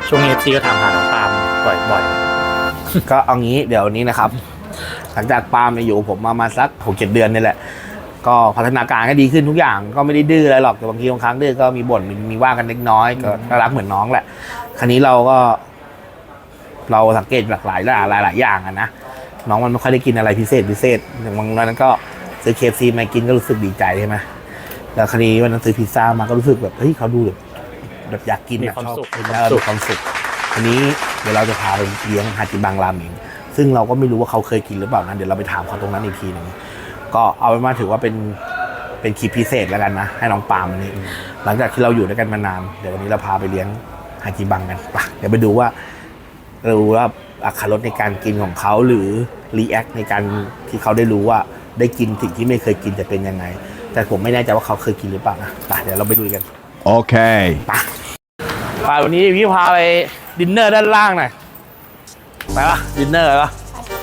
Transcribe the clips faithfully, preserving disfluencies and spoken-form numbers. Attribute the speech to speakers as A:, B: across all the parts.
A: ช่วงนี้ซีก็ถามหาน้องปาล์มบ่อย
B: ๆก็เอางี้เดี๋ยวนี้นะครับหลังจากปาล์มอยู่ผมมามาสักหกเจ็ดเดือนนี่แหละก็พัฒนาการก็ดีขึ้นทุกอย่างก็ไม่ได้ดื้ออะไรหรอกแต่บางทีบางครั้งดื้อก็มีบ่นมีมีว่ากันเล็กน้อยก็น่ารักเหมือนน้องแหละคราวนี้เราก็ เราสังเกตหลากหลายหลายหลายอย่างอะนะน้องมันไม่ค่อยได้กินอะไรพิเศษพิเศษอย่างบางวันนั้นก็ซื้อเคฟซีมากินก็รู้สึกดีใจใช่ไหมแล้วคราวนี้วันนั้นซื้อพิซซ่ามาก็รู้สึกแบบเฮ้ยเขาดูแบบแบบอยากกินอะชอบกินแล้วมีความสุขคราวนี้เดี๋ยวเราจะพาไปเลี้ยงฮาจิบังราเมงซึ่งเราก็ไม่รู้ว่าเขาเคยกินหรือเปล่านะเดี๋ยวเราไปถามเขาตรงนั้นอีกทีหนึ่งก็เอาเป็นว่าถือว่าเป็นเป็นคลิปพิเศษแล้วกันนะให้น้องปาล์มวันนี้หลังจากที่เราอยู่ด้วยกันมานานเดี๋ยววันนี้เราพาไปเลี้ยงฮาจิบังกันไปเดี๋ยวไปดูว่ารู้ว่าอรรถรสในการกินของเขาหรือรีแอคในการที่เขาได้รู้ว่าได้กินสิ่งที่ไม่เคยกินจะเป็นยังไงแต่ผมไม่แน่ใจว่าเขาเคยกินหรือเปล่านะไปเดี๋ยวเราไปดูกัน
C: โอเค
B: ไปไปวันนี้พี่พาไปดินเนอร์ด้านล่างหน่อยไปปะดินเนอร์ปะ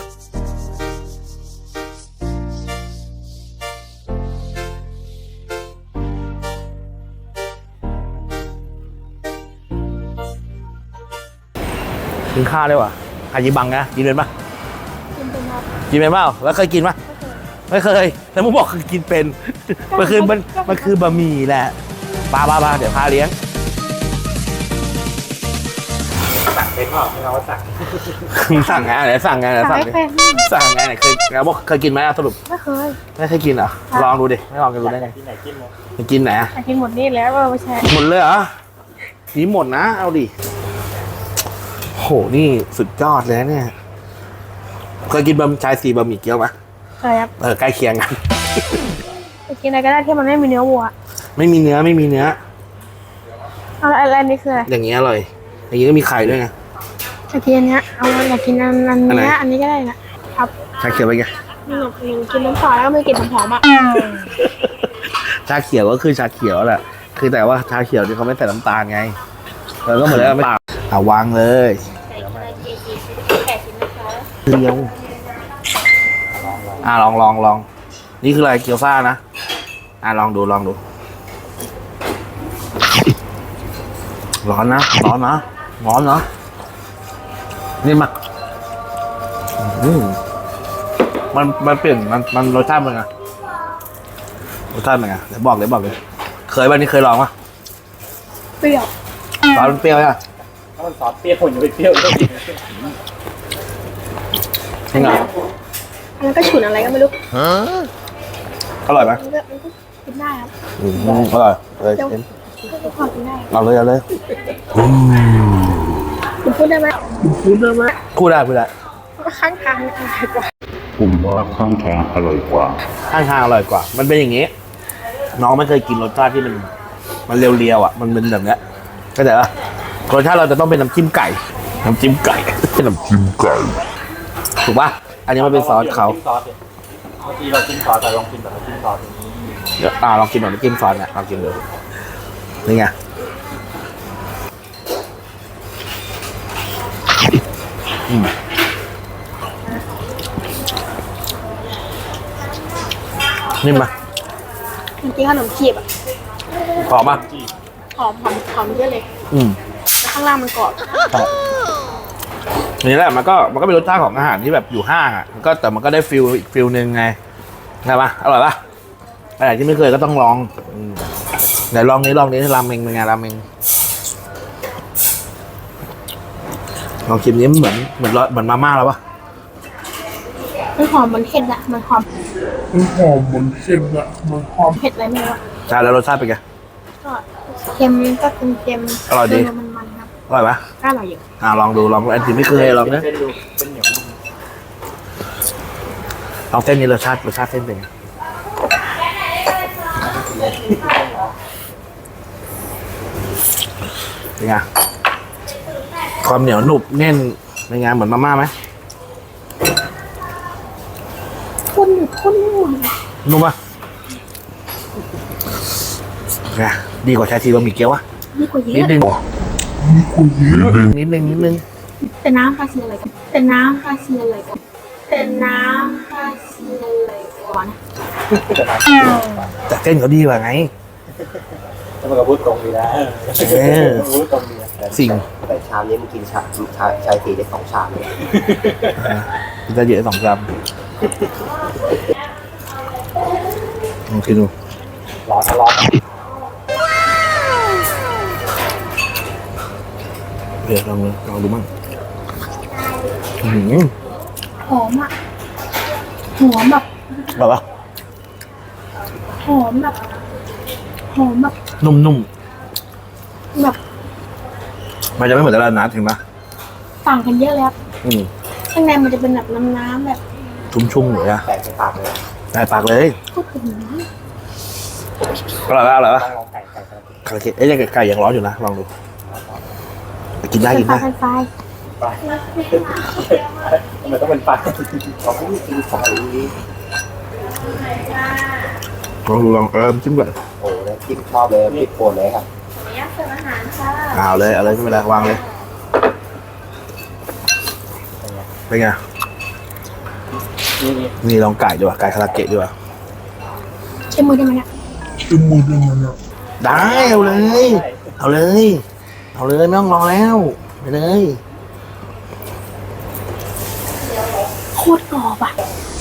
B: กินข้าวได้ว่ะฮาจิบังนะกินเป็นปะกินเป็นครับกินเป็นเปล่าแล้วเคยกินปะไม่เคยแต่มึงบอกคือกินเป็นมันคือมันมันคือบะหมี่แหละปลาปลาปลาเดี๋ยวพาเลี้ยง
A: สั่งเป็นเปล่าไม่เอาสั่ง
B: สั่งไงไหนสั่งไงไหนสั่งดิสั่งไงไหนเคยเราบอกเคยกินไหมสรุป
D: ไม่เคย
B: ไม่เคยกินเหรอลองดูดิไม่ลองกันดูได้ไง
A: กินไหนกินหมด
B: กินไหนอะ
D: กินหมดนี่แล้วไม่ใช่
B: หมดเลยเหรอนี่หมดนะเอาดิโหนี่สุดยอดเลยเนี่ยเคยกินบะหมี่ชายสีบะหมี่เกี๊ยวไหม
D: เคยครับ
B: เออใกล้เคียงกัน
D: ไปกินอะไรก็ได้ที่มันไม่มีเนื้อวัว
B: ไม่มีเนื้อไม่มีเนื้อ
D: เอาอะไรนี่คืออะไร
B: อย่างเงี้ยอร่อยอย่างงี้ก็มีไข่ด้วยไง
D: อยากกินอันเนี้ยเอาอยากกินอันอันนี้อันนี้ก็ได้นะครับ
B: ชาเขียวไปไง
D: นี่กินน้ำปลาแล้วก็ไม่กินน้ำหอมอ่ะ
B: ชาเขียวก็คือชาเขียวแหละคือแต่ว่าชาเขียวที่เขาไม่ใส่น้ำตาลไงแล้วก็เหมือนแล้วไม่เอาวางเลยเดียวอ่าลองลองลองนี่คืออะไรเกี๊ยวซ่านะอ่าลองดูลองดูร้อนนะร้อนนะร้อนนะนี่มาอืมมันมันเปลี่ยนมันมันรสชาติเป็นไงรสชาติเป็นไงเดี๋ยวบอกเลยบอกเลยเคยบ้างนี่เคยลองปะ
D: เปรี้ยว
B: ซอสมันเปรี้ยวใช่ไหม
A: ถ้ามันซอสเปรี้ยวผมจะไปเปรี้ยวได้
B: ยังไง
D: อันนั้นก็ฉุนอะไรก็ไม่รู้
B: อร่อยไหม
D: มันก็มันก็กินได้ครับ
B: อืมอร่อยเลย
D: ก็พอกินได้
B: เอาเลยเอาเลย
D: คุณพูดได้ไหม
B: พูดได้ไหมพูดได้พูดได้
D: ข้างทางอร่อยกว่า
C: ผมว่าข้างทางอร่อยกว่า
B: ข้างทางอร่อยกว่ามันเป็นอย่างนี้น้องไม่เคยกินรสชาติที่มันมันเรียวๆอ่ะมันเป็นแบบเนี้ยเข้าใจป่ะรสชาติเราจะต้องเป็นน้ำจิ้มไก่น้ำจิ้มไก่น้ำจิ้มไก่ถูกป่ะอันนี้มันเป็นซอสเขา
A: เมื่อกี้เรากินซอสแต่ลองกินแบบน้ำจิ้มซอสอย่างนี้
B: เดี๋ยวอ่าลองกินแบบน้ำจิ้มซอสเนี่ยลองกินดูนี่ไงอืมนิ่มปะ
D: มันกินขนมจีบอ่ะ
B: หอมปะ
D: หอมหอมหอมเยอะเลย
B: อืม
D: แล้วข้างล่างมันกรอบ
B: นี่แหละมันก็มันก็เป็นรสชาติของอาหารที่แบบอยู่ห้างอ่ะมันก็แต่มันก็ได้ฟิลอีกฟิลนึงไงใช่ปะอร่อยปะอะไรที่ไม่เคยก็ต้องลองเดี๋ยวลองนี้ลองนี้ราเมงเป็นไงราเมงลองชิมนี้เหมือนเหมือนเหมือนมาม่าแล้วปะ
D: มันหอมมันเผ็ดอะมันหอม
C: มันหอมมันเค็มอะมันหอม
D: เผ็ดอะไรไม่รู้
B: ใช่แล้วรสชาติเป็นไง
D: ก็เค็มก็เค็มเค็ม
B: อร่อยดี
D: มันมันครับ
B: อร่อยปะ
D: ก็อร่อยอยู่
B: อ่าลองดูลองอันที่ไม่เคยลองนะลองเส้นนี้รสชาติรสชาติเส้นเป็นไงเป็นไงความเหนียวหนุบแน่นเป็นไงเหมือนมาม่าไหม
D: ข้นข้นนุ่ม
B: นุ่มปะไงดีกว่าชาชีบะหมี่เกี๊ยววะ
D: ดีกว่าเยอะ
B: นิดนึงนิดนึงนิดนึง
D: แต่น้ำคาเซียอะไรกันแต่น้ำคาเซียอะไรกันแต่น้ำคาเซียอะไรก่อน
B: แต่เส้นเขาดีกว่าไง
A: จะมาพูดตรงดีนะพูดตรงดี
B: สิ่ง
E: แต่ชามนี้มันกินชาชาชายสีได้สองชามเลย
B: พิซซ่าเยอะสองกรัมลองกินดู
A: ร้อนร้อน
B: เดี๋ยวลองลองดูมั่งอื้อหือ
D: หอมอ่ะหอมแบบ
B: แบบว่า
D: หอมแบบหอมแบบ
B: นุ่ม
D: แบบ
B: ๆมันจะไม่เหมือนตลาดนัดเห็นปะ
D: ต่างกันเยอะเลยครับ
B: อืม
D: ข้างในมันจะเป็นแบบน้ำๆแบบ
B: ชุ่มๆเลยอะ
E: แตกในปากเลย
B: ได้ปากเลย
D: พูดถึงนะ
B: อร่อยปะอร่อยปะ
A: ต้องลองไก่ไก่ไก่
B: คาราเกะเอ้ยไก่ยังร้อนอยู่นะลองดูกินได้
D: เป็
B: กิ
D: น
B: น
D: ปลา
B: ได้
D: เป็นไฟ
A: ทำไมต้องเป็นปลา
E: เขาไม่กินสายนี้
B: ลองดูลองเออจิ้มก่อน
E: โอ้แล้วกินชอบเลยติดโปนเลยครับ
B: เอาเลยเอาเลยไม่เป็นไรวางเลยเป็นไง
A: นี่นี่
B: นี่ลองไก่ดีกว่าไก่คาราเกะดีกว่า
D: ใช้มือได้ไหมเนี่ย
C: เป็นมือยังไงเนี่ย
B: ได้เอาเลย เอาเลย เอาเลยไม่ต้องรอแล้วไปเลย
D: โคตรกรอบอ่ะ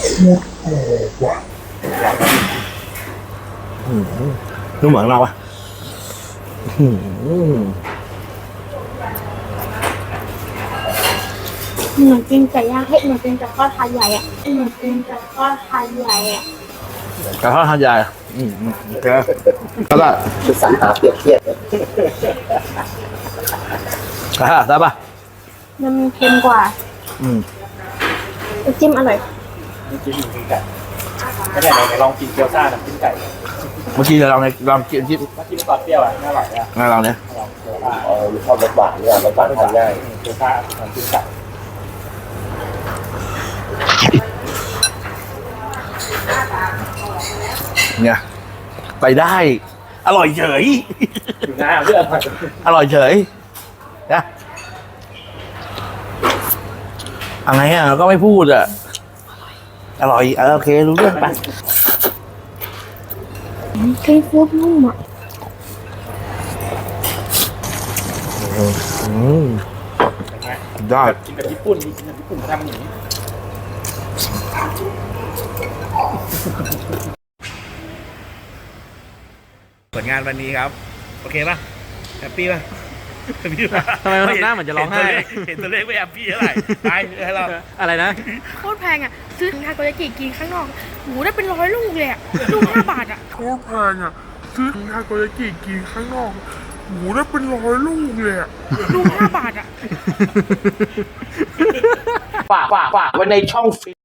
B: อื้อหือนุ่มเหมือนเราปะอื้อหือ
D: เหมือนกินไก่ย่างเฮ้ยเหมือนกินกับข้าวทานใหญ่อ่ะเหมือนกินกับข้าวทานใหญ่อ่ะ
B: กระทอดทานใหญ่อืมอืมโอเคแล้วก็
E: คือสรรหาเปรียบเทียบเลย
B: กระทอดได้ปะ
D: มันเค็มกว่า
B: อืม
D: น้ำจิ้มอร่อย
A: นี่กินหมูกินไก่ไม่ได้ไหนลองกินเกี๊ยวซ่าน้ำจิ้มไก่
B: เมื่อกี้เราลองในลองกินจิ้ม
A: มากินซอสเปรี้ยวอ่ะน่าอร่อยอ่ะ
B: งั้นเราเนี่ย
A: ลองเกี๊ยวซ่า
E: เออชอบรสหวานเนี่ยรสหวานทานง่าย
A: เกี๊ยวซ่าน้ำจิ้มไก่
B: เนี่ยไปได้ อร่อยเฉย
A: อยู่หน้าเพื่อน
B: อร่อยเฉยนะอะไรอ่ะเราก็ไม่พูดอ่ะ อร่อยเออโอเครู้เรื่องไป
D: เค็มฟูดนุ่มอ่ะ
B: อืมได้
A: กินแบบญี่ปุ่นกินแบบญี่ปุ่นเขาทำอย่างนี้
B: ผลงานวันนี้ครับ โอเคป่ะแฮปปี้ป่ะแฮปปี้ป่ะ
F: ทำไมมันทำหน้าเหมือนจะร้องไห้
B: เห็นตัวเลขไม่แฮปปี้เท่าไหร่ไปให้เรา
F: อะไรนะ
G: โคตรแพงอ่ะ ซื้อทาโกยากิกินข้างนอกหูได้เป็นร้อยลูกเลยอ่ะ ลูกห้าบาทอ่ะ
C: โคตรแพงอ่ะซื้อทาโกยากิกินข้างนอกหมูได้เป็นร้อยลูกเลยอ่ะ
G: ลูกห้าบาทอ่ะ
B: ฝากฝากฝากไว้ในช่อง